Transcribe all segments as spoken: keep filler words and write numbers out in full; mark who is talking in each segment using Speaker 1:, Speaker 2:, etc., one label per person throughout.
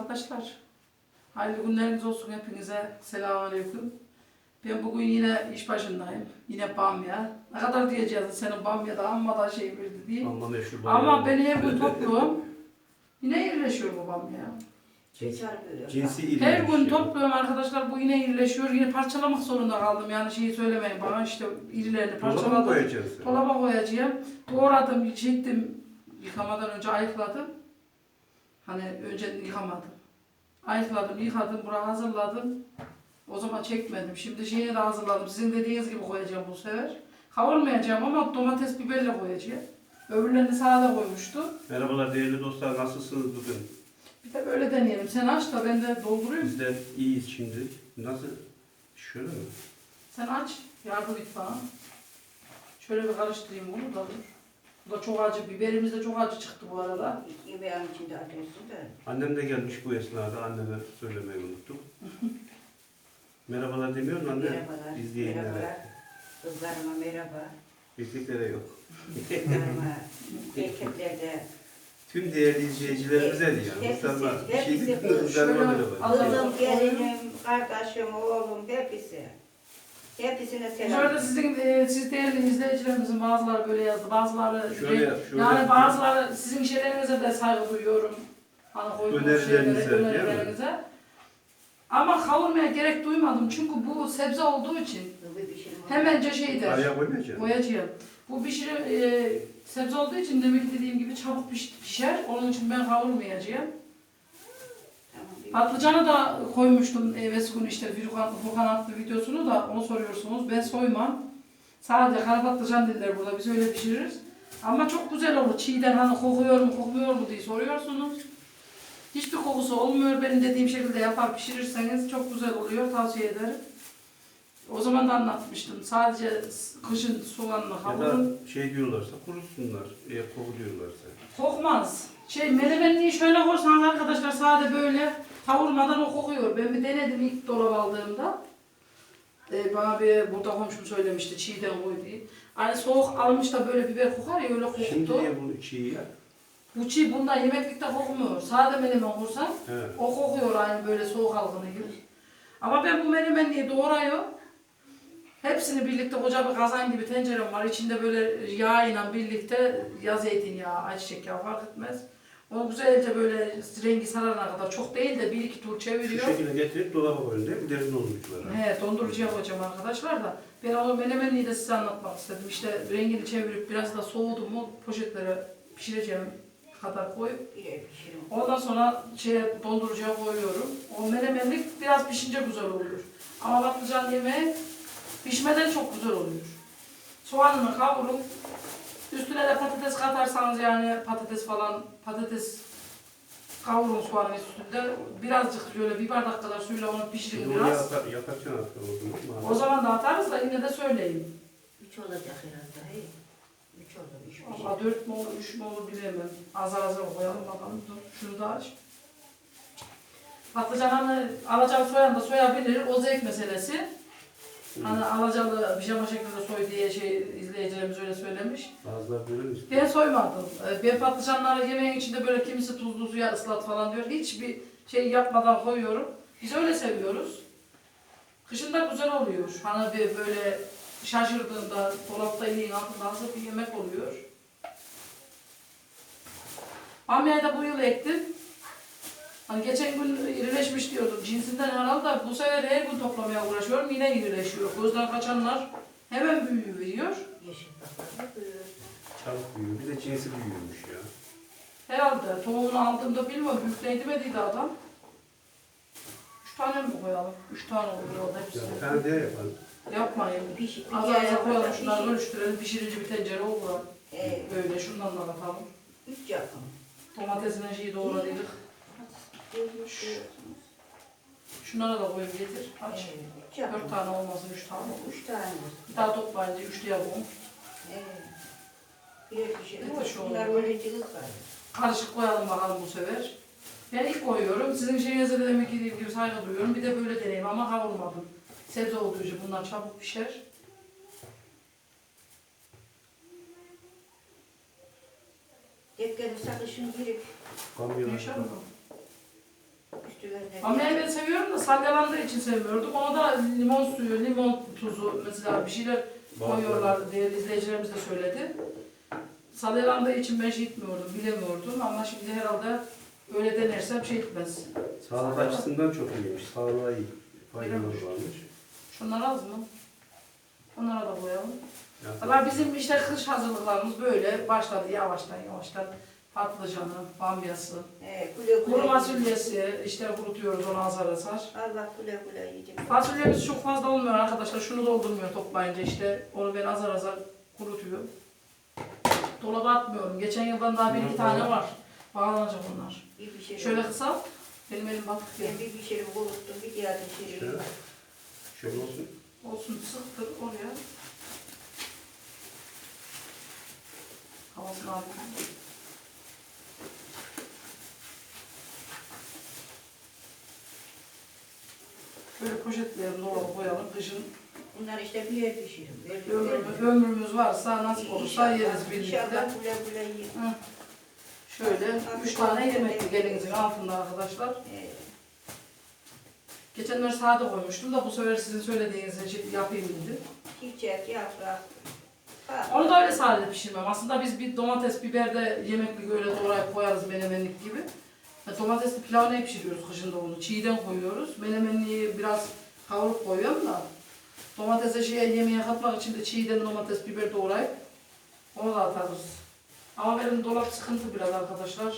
Speaker 1: arkadaşlar. Hayırlı günleriniz olsun hepinize. Selamünaleyküm. Ben bugün yine iş başındayım. Yine bamya. Ne kadar diyeceğiz senin bamyada amma da şey verdi diye.
Speaker 2: Ama meşhur
Speaker 1: Ama ben her gün topluyorum. Yine irileşiyor bu bamya.
Speaker 2: Cins, cinsi iri.
Speaker 1: Her gün topluyorum arkadaşlar. Bu yine irileşiyor. Yine parçalamak zorunda kaldım. Yani şeyi söylemeyin bana işte irilerini
Speaker 2: Dolaba
Speaker 1: parçaladım.
Speaker 2: koyacağız.
Speaker 1: Dolaba koyacağım. Doğradım, çektim. Yıkamadan önce ayıkladım. Hani önce yıkamadım. Ayıkladım, yıkadım, buraya hazırladım. O zaman çekmedim. Şimdi şeyi de hazırladım. Sizin dediğiniz gibi koyacağım bu sefer. Kavurmayacağım ama domates, biberle koyacağım. Öbürlerini sade koymuştum.
Speaker 2: Merhabalar değerli dostlar, nasılsınız bugün?
Speaker 1: Bir de böyle deneyelim. Sen aç da ben de doldurayım.
Speaker 2: Biz de iyiyiz şimdi. Nasıl? Şöyle mi?
Speaker 1: Sen aç. Yardım et bana. Şöyle bir karıştırayım bunu da dur. Bu da çok acı. Biberimiz de çok acı çıktı bu arada.
Speaker 3: Yemeğin içinde atıyorsun da.
Speaker 2: Annem de gelmiş bu esnada. Anneme söylemeyi unuttum. Merhabalar demiyor mu anne?
Speaker 3: Merhabalar.
Speaker 2: İzleyenlere.
Speaker 3: Merhabalar. Kızlarıma merhaba.
Speaker 2: Erkeklere yok.
Speaker 3: Kızlarıma, erkeklerde.
Speaker 2: Tüm değerli izleyicilerimize diyor.
Speaker 3: Hepsi-
Speaker 2: Muhtarlar.
Speaker 3: hepsi
Speaker 2: Şey değil mi?
Speaker 3: böyle.
Speaker 2: Kızlarıma
Speaker 1: Şöyle
Speaker 2: merhaba.
Speaker 1: al-
Speaker 3: Kızım, gelinim, kardeşim, oğlum, hepsi. Hepsine
Speaker 1: Bu
Speaker 3: selam.
Speaker 1: arada sizin, e, siz değerli izleyicilerimizin bazıları böyle yazdı, bazıları
Speaker 2: Şöyle yap, şöyle
Speaker 1: yani
Speaker 2: yap.
Speaker 1: bazıları sizin şeylerinize de saygı duyuyorum. Hani koyduğunuz
Speaker 2: Önerilerinize,
Speaker 1: şeylere,
Speaker 2: değil mi?
Speaker 1: önerilerinize. Ama kavurmaya gerek duymadım çünkü bu sebze olduğu için
Speaker 3: Bir pişirim oldu.
Speaker 1: hemenci şeydir,
Speaker 2: Araya koymayacağım.
Speaker 1: koyacağım. Bu pişirim, e, sebze olduğu için demek ki dediğim gibi çabuk piş- pişer, onun için ben kavurmayacağım.
Speaker 3: Tamam, bir-
Speaker 1: Patlıcanı da koymuştum evvelsi gün işte Furkan, Furkan attı videosunu da onu soruyorsunuz. Ben soymam. Sadece kara patlıcan dediler burada biz öyle pişiririz. Ama çok güzel olur. Çiğden hani kokuyor mu kokmuyor mu diye soruyorsunuz. Hiçbir kokusu olmuyor. Benim dediğim şekilde yapar pişirirseniz çok güzel oluyor. Tavsiye ederim. O zaman da anlatmıştım. Sadece kışın soğanla
Speaker 2: Ya
Speaker 1: kavurun.
Speaker 2: da şey diyorlarsa kurusunlar. Eğer koku diyorlarsa.
Speaker 1: Kokmaz. Şey menemenliği şöyle koysanız arkadaşlar sade böyle kavurmadan o kokuyor. Ben bir denedim ilk dolaba aldığımda. Ee, bana bir burada komşum söylemişti çiğden koy diye. Hani soğuk almış da böyle biber kokar ya öyle koktu.
Speaker 2: Şimdi niye bunu çiğ ya?
Speaker 1: Bu çiğ bundan yemeklikte kokmuyor. Sade menemen kursan
Speaker 2: Evet.
Speaker 1: o kokuyor aynı böyle soğuk algını gibi. Ama ben bu menemenliği doğrayıyorum. Hepsini birlikte koca bir kazan gibi tencerem var. İçinde böyle yağ ile birlikte ya zeytinyağı, ayçiçek yağı fark etmez. Onu güzelce böyle rengi sarana kadar çok değil de bir iki tur
Speaker 2: Şu
Speaker 1: çeviriyor.
Speaker 2: şekilde getirip dolaba koyun değil mi? Derin donduruculara.
Speaker 1: He, dondurucuya koyacağım arkadaşlar da. Ben o menemenliği de size anlatmak istedim. İşte rengini çevirip biraz da soğudu mu poşetlere pişireceğim kadar koyup
Speaker 3: bir pişirim.
Speaker 1: ondan sonra şeye dondurucuya koyuyorum. O menemenlik biraz pişince güzel oluyor. Ama patlıcan yemeği pişmeden çok güzel oluyor. Soğanını kavurun. Üstüne de patates katarsanız yani patates falan patates kavurun soğanın üstünde. Birazcık şöyle bir bardak kadar suyla onu pişirin
Speaker 2: Şimdi onu
Speaker 1: biraz.
Speaker 2: yapar, yaparken atar o zaman.
Speaker 1: O zaman da atarız da yine de söyleyeyim.
Speaker 3: Üç olacak herhalde. Hey. Üç olur, üç pişirim.
Speaker 1: Ama dört mü olur, üç mü olur bilemem. Azar azar koyalım bakalım. Dur, şunu da aç. Patlıcanı alacağım soyan da soyabilir. O zevk meselesi. Hani alacalı pijama şeklinde soy diye şey izleyicilerimiz öyle söylemiş.
Speaker 2: Bazıları böyle mi istiyor?
Speaker 1: Ben soymadım. Ee, Ben patlıcanları yemeğin içinde böyle kimisi tuzlu suya ıslat falan diyor. Hiçbir şey yapmadan koyuyorum. Biz öyle seviyoruz. Kışın da güzel oluyor. Hani bir böyle şaşırdığında dolapta yiyin altında hazır bir yemek oluyor. Bamya'yı da bu yıl ektim. Hani geçen gün irileşmiş diyordum. Cinsinden herhalde bu sefer her gün toplamaya uğraşıyorum. Yine irileşiyor. Gözden kaçanlar hemen büyüyor.
Speaker 3: Yeşil baklar büyür.
Speaker 2: Çabuk büyüyor. Bir de cinsi büyüyormuş ya.
Speaker 1: Herhalde tohumunu aldığımda bilmiyorum büyükleydi mi dedi adam. Üç tane mi koyalım? Üç tane olur orada
Speaker 2: Ya
Speaker 1: hepsi.
Speaker 2: bir tane diye yapalım.
Speaker 1: Yapmayın.
Speaker 3: Piş,
Speaker 1: Az
Speaker 3: bir
Speaker 1: az koyalım
Speaker 3: yere
Speaker 1: şunları
Speaker 3: pişir.
Speaker 1: bölüştürelim. Pişirici bir tencere olur.
Speaker 3: Ee,
Speaker 1: Böyle şundan da atalım.
Speaker 3: üç yapın.
Speaker 1: Domatesine şeyi doğradıydık. Şunlara da koyup getir. Aç.
Speaker 3: Evet, üç yapın.
Speaker 1: Dört tane olmasın, üç tane olur.
Speaker 3: Üç tane.
Speaker 1: Bir daha toplayınca üçlü yapalım.
Speaker 3: Evet. Bir pişirim.
Speaker 1: Bir de şu
Speaker 3: Bunlar
Speaker 1: olur.
Speaker 3: böyle cılız var.
Speaker 1: Karışık koyalım bakalım bu sefer. Ben ilk koyuyorum. Sizin şeyinize de demek ki dediğim gibi saygı duyuyorum. Bir de böyle deneyim ama kavurmadım. Sebze olduğu için bunlar çabuk pişer.
Speaker 3: Tek gelirse kışın girip
Speaker 2: Kamyon
Speaker 1: Yaşar mı?
Speaker 3: Üstüne
Speaker 1: Ama ben seviyorum da salyalandığı için sevmiyorduk. Ona da limon suyu, limon tuzu mesela bir şeyler koyuyorlar diye izleyicilerimiz de söyledi. Salyalandığı için ben şey etmiyordum, bilemiyordum ama şimdi herhalde öyle denersem şey etmez.
Speaker 2: Sağlık açısından çok iyiymiş. Sağlığa iyi. Faydaları
Speaker 1: Öyle mi?
Speaker 2: varmış.
Speaker 1: Şunlar az mı? Onlara da koyalım.
Speaker 2: Yani,
Speaker 1: Valla bizim işte kış hazırlıklarımız böyle başladı yavaştan yavaştan. Patlıcanı, bamyası,
Speaker 3: He, güle güle.
Speaker 1: kuru fasulyesi, işte kurutuyoruz onu azar azar.
Speaker 3: Allah güle güle yiyecek.
Speaker 1: Fasulyemiz çok fazla olmuyor arkadaşlar. Şunu doldurmuyor toplayınca işte. Onu ben azar azar kurutuyorum. Dolaba atmıyorum. Geçen yıldan daha bir iki tane var. Bağlanacak onlar.
Speaker 3: Bir bir şey
Speaker 1: Şöyle kısalt. Benim elim batık ya.
Speaker 3: Ben bir bir şey kuruttum, bir diğer bir şey.
Speaker 2: Şöyle. Şöyle olsun.
Speaker 1: Olsun sıktır oraya. Havasını alayım. Böyle poşetleyelim, dolaba koyalım. Kışın
Speaker 3: Bunlar işte bir yer pişirim. Böyle
Speaker 1: ömrümüz, ömrümüz varsa nasip olursa yeriz birlikte.
Speaker 3: İnşallah güle güle yiyin.
Speaker 1: Hı. Şöyle üç tane yemekli gelinizin altında arkadaşlar.
Speaker 3: He.
Speaker 1: Geçenler sade koymuştum da bu sefer sizin söylediğiniz için yapayım dedim.
Speaker 3: Çiçek, yaprak. Ha.
Speaker 1: Onu da öyle sade pişirmem. Aslında biz bir domates, biber de yemekli böyle doğrayıp koyarız menemenlik gibi. Ya domatesli pilavı ne pişiriyoruz kışında onu? Çiğden koyuyoruz. Menemenliği biraz kavurup koyuyorum da. Domatese şeye yemeğe katmak için de çiğden domates, biber doğrayıp onu da atarız. Ama benim dolap sıkıntı biraz arkadaşlar.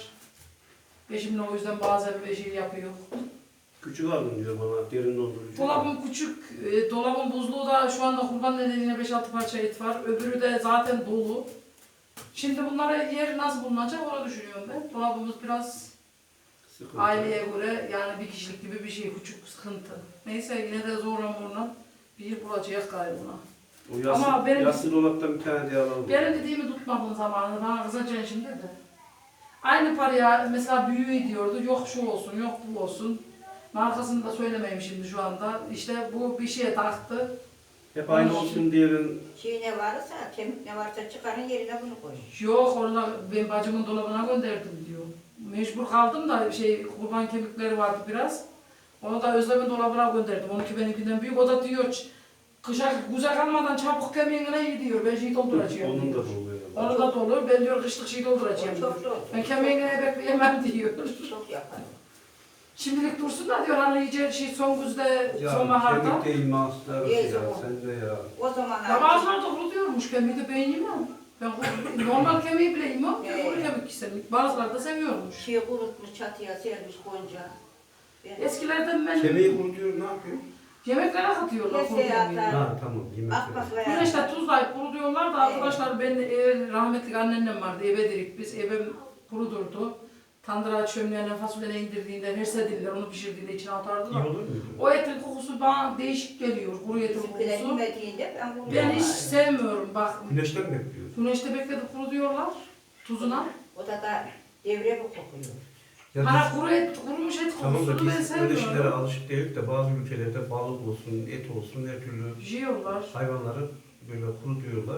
Speaker 1: Eşimle o yüzden bazen bir şey yapıyor.
Speaker 2: Küçük aldım diyor bana. Derin dondurucu.
Speaker 1: Dolabım küçük, e, dolabın buzluğu da şu anda kurban nedeniyle beş altı parça et var. Öbürü de zaten dolu. Şimdi bunlara yer nasıl bulunacak onu düşünüyorum ben. Dolabımız biraz
Speaker 2: Sıkıntı.
Speaker 1: aileye göre yani bir kişilik gibi bir şey, küçük sıkıntı. Neyse yine de zorla zorla bir yer bulacağız galiba.
Speaker 2: O yassı,
Speaker 1: Ama benim-
Speaker 2: yassı dolaptan bir tane diye alalım.
Speaker 1: Benim dediğimi tutmadığın zamanında bana kızacaksın şimdi de. Aynı paraya mesela büyüğü diyordu, yok şu olsun, yok bu olsun. Markasını da söylemeyeyim şimdi şu anda. İşte bu bir şeye taktı.
Speaker 2: Hep aynı olsun diyelim.
Speaker 3: Çiğ ne varsa, kemik ne varsa çıkarın yerine bunu koyun.
Speaker 1: Yok onu ben bacımın dolabına gönderdim diyor. Mecbur kaldım da şey kurban kemikleri vardı biraz. Onu da Özlem'in dolabına gönderdim. Onunki benimkinden büyük. O da diyor "Ç- kışa güzel kalmadan çabuk kemiğine iyi diyor. Ben şey dolduracağım
Speaker 2: Onun da
Speaker 1: diyor.
Speaker 2: doluyor.
Speaker 1: Onu da dolu. Ben diyor kışlık şey dolduracağım
Speaker 3: O
Speaker 1: diyor.
Speaker 3: çok zor.
Speaker 1: Ben kemiğine bekleyemem diyor.
Speaker 3: Çok yapar.
Speaker 1: Şimdilik dursun da diyor hani iyice şey son güzde
Speaker 2: Ya
Speaker 1: sonbaharda.
Speaker 2: kemik değil mahsuslar
Speaker 3: Neyse
Speaker 2: ya
Speaker 3: o.
Speaker 2: sen de ya.
Speaker 3: O zaman
Speaker 1: Ya bazıları da kuru diyormuş kemiği de ben yemem. Ben kuru- normal kemiği bile yemem. Ben kuru kemik istemem. Bazıları da seviyormuş.
Speaker 3: şey kurutmuş, çatıya sermiş gonca. Ben
Speaker 1: Eskilerden ben
Speaker 2: Kemiği kurutuyor ne yapıyor?
Speaker 1: yemeklere katıyorlar kuru
Speaker 3: Keseye
Speaker 1: kemiği.
Speaker 3: atar.
Speaker 2: Ha tamam yemek.
Speaker 3: akbakla
Speaker 1: Güneşte tuzlayıp kuru diyorlar da arkadaşlar ben e, rahmetli anneannem vardı eve dedik biz evim kurudurdu. Tandıra çömleğine fasulyene indirdiğinde hersedildiler onu pişirdiğinde içine
Speaker 2: İyi
Speaker 1: atardılar.
Speaker 2: olur muydu?
Speaker 1: O etin kokusu bana değişik geliyor kuru etin
Speaker 3: bizimkiler
Speaker 1: kokusu.
Speaker 3: yemediğinde ben bunu
Speaker 1: Ben hiç
Speaker 3: yaparım.
Speaker 1: sevmiyorum bak.
Speaker 2: Güneşten mi bekliyoruz?
Speaker 1: Güneşte bekledip kuru diyorlar tuzuna.
Speaker 3: O da da devre bu kokuyor.
Speaker 2: Ya
Speaker 1: Bana
Speaker 2: biz-
Speaker 1: kuru et, kurumuş et
Speaker 2: Tamam da
Speaker 1: kokusunu ben
Speaker 2: biz böyle şeylere
Speaker 1: sevmiyorum.
Speaker 2: alışık değiliz de bazı ülkelerde balık olsun, et olsun her türlü
Speaker 1: Yiyorlar.
Speaker 2: hayvanları böyle kurutuyorlar.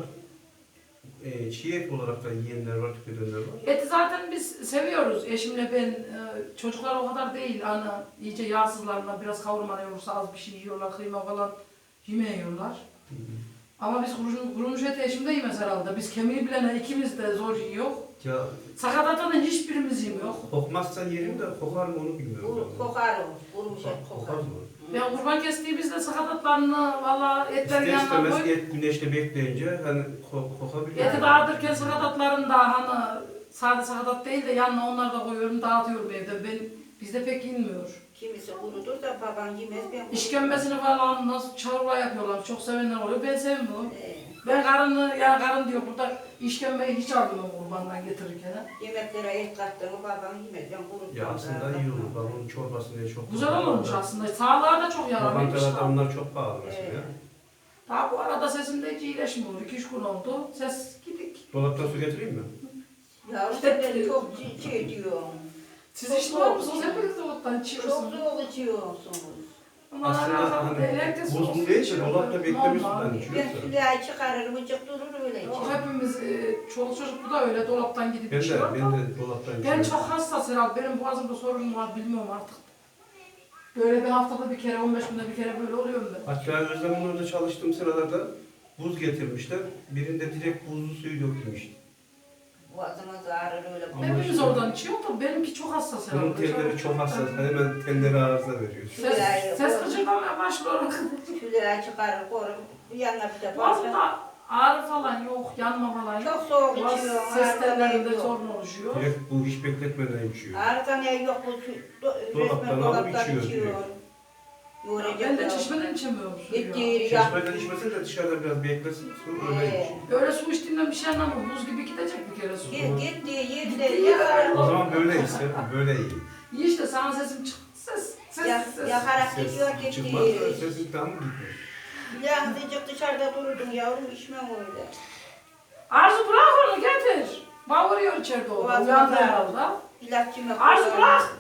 Speaker 2: E, çiğ et olarak da yiyenler var, tüketenler var.
Speaker 1: Eti zaten biz seviyoruz. Eşimle ben, e, çocuklar o kadar değil. Ana iyice yağsızlarına biraz kavurma olursa az bir şey yiyorlar, kıyma falan yemeyiyorlar.
Speaker 2: Hı hı.
Speaker 1: Ama biz kurumuş, kurumuş eti eşimde yemez herhalde. Biz kemiği bilene ikimiz de zor yiyor.
Speaker 2: Ya
Speaker 1: Sakatatını hiçbirimiz yemiyor.
Speaker 2: kokmazsa yerim de kokar mı onu bilmiyorum.
Speaker 3: Bu kokar o. Kurumuş et
Speaker 2: Kokar
Speaker 3: kokar.
Speaker 2: mı?
Speaker 1: Ben kurban kestiğimizde sakatatlarını valla etlerin
Speaker 2: İster
Speaker 1: yanına
Speaker 2: istemez
Speaker 1: koy.
Speaker 2: et güneşte bekleyince hani ko kokabiliyor.
Speaker 1: Eti dağıtırken sakatatlarını da hani sade sakatat değil de yanına onları da koyuyorum dağıtıyorum evde. Ben, bizde pek inmiyor.
Speaker 3: Kimisi kurudur da baban yemez ben
Speaker 1: İşkembesini falan nasıl çorba yapıyorlar. Çok sevenler oluyor. Ben sevmiyorum.
Speaker 3: Ee,
Speaker 1: Ben karını, ya karın diyor burada işkembeyi hiç almıyorum kurbandan getirirken.
Speaker 3: yemeklere et kattığını babam yemez. Ben kurutmam.
Speaker 2: Ya aslında iyi olur. Babamın çorbası ne çok
Speaker 1: Güzel olurmuş aslında. Sağlığa da çok yararlıymış.
Speaker 2: Lokantalarda onlar çok pahalı mesela.
Speaker 3: Ee,
Speaker 1: Daha bu arada sesimde hiç iyileşmiyor. iki üç gün oldu. Ses gidik.
Speaker 2: Dolaptan su getireyim mi?
Speaker 3: ya
Speaker 1: İşte-
Speaker 3: işte beni çok şey- şey diyorsun.
Speaker 1: Siz
Speaker 3: Çok
Speaker 1: içmiyor
Speaker 3: soğuk.
Speaker 1: musunuz? Hepiniz de ottan
Speaker 3: Çok
Speaker 1: içiyorsunuz.
Speaker 3: soğuk içiyorsunuz.
Speaker 1: Ama
Speaker 2: Aslında
Speaker 1: alakalı
Speaker 2: hani
Speaker 1: değil. Herkes
Speaker 2: buzlu
Speaker 1: soğuk
Speaker 2: değil de
Speaker 1: içiyor.
Speaker 2: dolapta beklemiş
Speaker 1: Normal.
Speaker 2: sudan
Speaker 3: Ben
Speaker 2: içiyorsa.
Speaker 3: sülahi çıkarırım, ıcık durur öyle
Speaker 1: Yok,
Speaker 3: içerim.
Speaker 1: hepimiz, e, çoluk çocuk bu da öyle dolaptan gidip
Speaker 2: Ben de,
Speaker 1: içiyor.
Speaker 2: ben de dolaptan
Speaker 1: Ben
Speaker 2: içiyorum.
Speaker 1: çok hassas herhalde. Benim boğazımda sorun var bilmiyorum artık. Böyle bir haftada bir kere, on beş günde bir kere böyle oluyor mu?
Speaker 2: Hatta Özlem'in orada çalıştığım sıralarda buz getirmişler. Birinde direkt buzlu suyu dökülmüş.
Speaker 3: Boğazımız ağrır öyle.
Speaker 2: Ama
Speaker 1: Hepimiz
Speaker 2: işte-
Speaker 1: oradan içiyor da benimki çok hassas
Speaker 2: Bunun
Speaker 1: herhalde.
Speaker 2: telleri çok hassas. Hemen telleri arıza veriyor.
Speaker 1: Ses, ses gıcırmamaya başlıyor.
Speaker 3: Şuraya çıkarır, korur. Yanına bir de
Speaker 1: Boğazımda
Speaker 3: basar.
Speaker 1: ağrı falan yok, yanma falan yok.
Speaker 3: Çok soğuk
Speaker 1: Boğaz
Speaker 3: içiyor.
Speaker 1: ses tellerinde
Speaker 3: yok.
Speaker 1: sorun oluşuyor.
Speaker 2: Direkt bu hiç bekletmeden içiyor.
Speaker 3: Ağrıdan ya yok bu şu- do-
Speaker 2: Dolaptan
Speaker 3: resmen
Speaker 2: alıp
Speaker 3: dolaptan
Speaker 2: içiyor
Speaker 3: içiyor.
Speaker 2: direkt.
Speaker 3: Yoğuracak
Speaker 1: Ben de
Speaker 3: ya.
Speaker 1: çeşmeden içemiyorum suyu ya.
Speaker 3: Gittiği yeri yak.
Speaker 2: Çeşmeden içmesin de dışarıda biraz beklesin. Sonra öyle
Speaker 3: Ee,
Speaker 2: içiyor.
Speaker 1: Böyle su içtiğimden bir şey anlamam. Buz gibi gidecek bir kere su.
Speaker 3: Git- Gittiği yerde
Speaker 1: Gittiği
Speaker 3: yakar.
Speaker 1: yerde-
Speaker 2: O zaman böyle içsin. Böyle iyi.
Speaker 1: İyi işte sana sesim çık. Ses, ses,
Speaker 3: Ya-
Speaker 1: ses.
Speaker 3: Yakarak
Speaker 2: Ses
Speaker 3: gidiyor gittiği
Speaker 2: çıkmaz.
Speaker 3: yeri.
Speaker 2: Sesin tam gitmiyor.
Speaker 3: Birazcık dışarıda dururdun yavrum içmem öyle.
Speaker 1: Arzu bırak onu getir. Bağırıyor içeride o.
Speaker 3: Boğazım
Speaker 1: Uyandı
Speaker 3: ağrıyor.
Speaker 1: herhalde.
Speaker 3: İlaççım yok.
Speaker 1: Arzu bırak.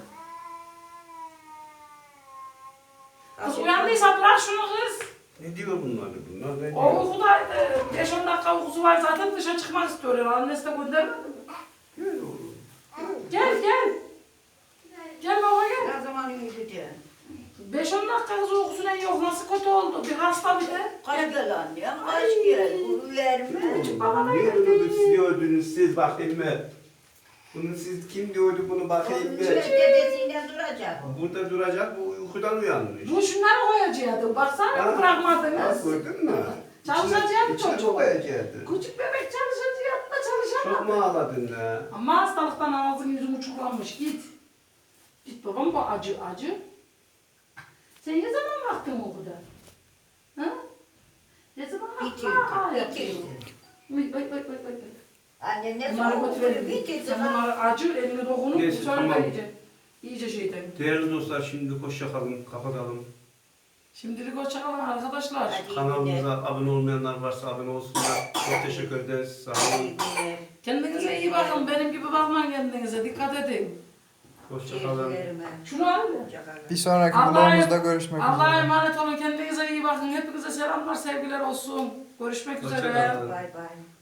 Speaker 1: Kız uyandıysa bırak şunu kız.
Speaker 2: Ne diyor bunlar? Bunlar ne
Speaker 1: O
Speaker 2: diyor?
Speaker 1: uykudaydı. beş on dakika uykusu var zaten dışarı çıkmak istiyor herhalde. Annesi de göndermedi mi?
Speaker 2: Gel oğlum.
Speaker 1: Gel gel. Gel baba gel.
Speaker 3: Ne zaman uyuyacağım?
Speaker 1: beş on dakika kız uykusuna yok. Nasıl kötü oldu? Bir hasta bir de.
Speaker 3: Kaç
Speaker 1: Gel.
Speaker 3: gel annem, kaç gel. Uyuyer mi?
Speaker 2: Niye bunu siz diyordunuz siz bakayım mı? Bunu siz kim diyordu bunu bakayım mı?
Speaker 3: Şöyle dedesiyle duracak.
Speaker 2: Burada duracak bu uykudan uyanmış.
Speaker 1: Bu şunları koyacaktı. Baksana
Speaker 2: Ha,
Speaker 1: bırakmadınız.
Speaker 2: gördün mü?
Speaker 1: Çalışacaktı
Speaker 2: İçine- içine
Speaker 1: çocuk.
Speaker 2: koyacaktı.
Speaker 1: Küçük bebek çalışacaktı da
Speaker 2: Çok
Speaker 1: çalışamadı.
Speaker 2: mu ağladın ha?
Speaker 1: Ama hastalıktan ağzın yüzün uçuklanmış. Git. Git babam bu acı acı. Sen ne zaman baktın o kadar? Ha? Ne zaman baktın?
Speaker 3: Bitirdi,
Speaker 1: Aa,
Speaker 3: bitirdi.
Speaker 1: yapıyor. Oy oy oy oy oy.
Speaker 3: Annem ne
Speaker 1: Bunları
Speaker 3: zaman
Speaker 1: götürelim.
Speaker 3: bitirdi.
Speaker 1: Sen bunları acı elini dokunup
Speaker 2: Neyse,
Speaker 1: söyle
Speaker 2: tamam.
Speaker 1: iyice. İyice şeyden.
Speaker 2: Değerli dostlar şimdi hoşça kalın, kapatalım.
Speaker 1: Şimdilik hoşçakalın arkadaşlar.
Speaker 3: Hadi.
Speaker 2: Kanalımıza abone olmayanlar varsa abone olsunlar. Çok teşekkür ederiz. Sağ olun.
Speaker 1: Kendinize iyi bakın. Benim gibi bakmayın kendinize. Dikkat edin.
Speaker 2: Hoşça kalın.
Speaker 1: Şunu al.
Speaker 4: Bir sonraki
Speaker 1: Allah'a-
Speaker 4: vlogumuzda görüşmek
Speaker 1: Allah'a
Speaker 4: üzere.
Speaker 1: emanet olun. Kendinize iyi bakın. Hepinize selamlar, sevgiler olsun. Görüşmek
Speaker 2: Hoşça
Speaker 1: üzere.
Speaker 2: kalın.
Speaker 3: Bay bay.